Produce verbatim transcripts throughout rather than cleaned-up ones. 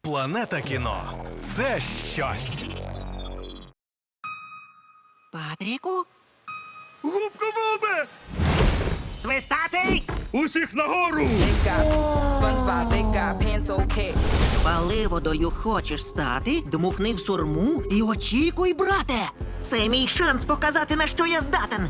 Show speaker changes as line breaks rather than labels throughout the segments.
Планета кіно – це щось.
Патріку?
Губка Бобе!
Свистатий!
Усіх нагору!
Big guy, SpongeBob, big guy, pencil cat.
Паливодою хочеш стати? Дмухни в сурму і очікуй, брате! Це мій шанс показати, на що я здатен.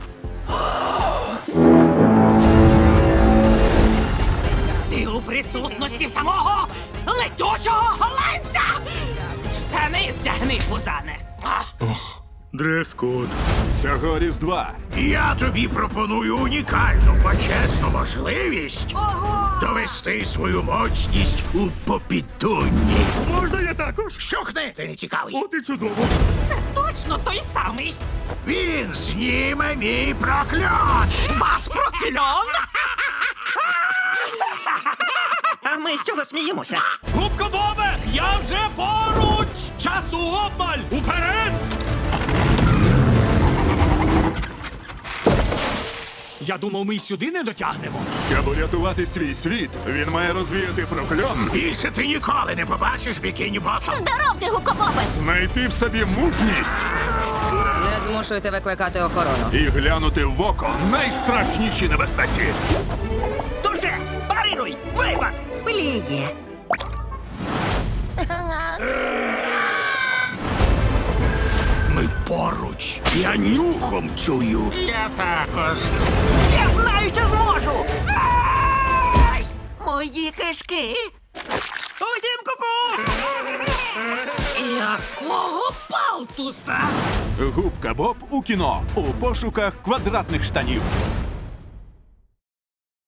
Ти у присутності самого летючого голландця! Штани вдягни, пузане!
Дрес-код.
Цього Різдва
Я тобі пропоную унікальну почесну можливість
Ого!
довести свою моцність у попідунні.
Можна я також?
Щухни, ти не цікавий.
От і чудово.
Це точно той самий!
Він зніме мій прокльон.
Вас прокльон! А ми з чого сміємося?
Губка Бобе! Я вже поруч! Часу обмаль! Уперед! Я думав, ми й сюди не дотягнемо.
Щоб урятувати свій світ, він має розвіяти прокльон,
Більше ти ніколи не побачиш бікіні ботом.
Здоровки, гукобобе!
знайти в собі мужність
Не змушуйте викликати охорону.
і глянути в око найстрашніші небезпеці.
Дуже! Парируй! Випад! Пліє!
Ми поруч. Я нюхом чую. Я також.
Я знаю, що зможу! Ай! Мої кишки! Усім ку-ку! Якого палтуса?
Губка Боб у кіно у пошуках квадратних штанів.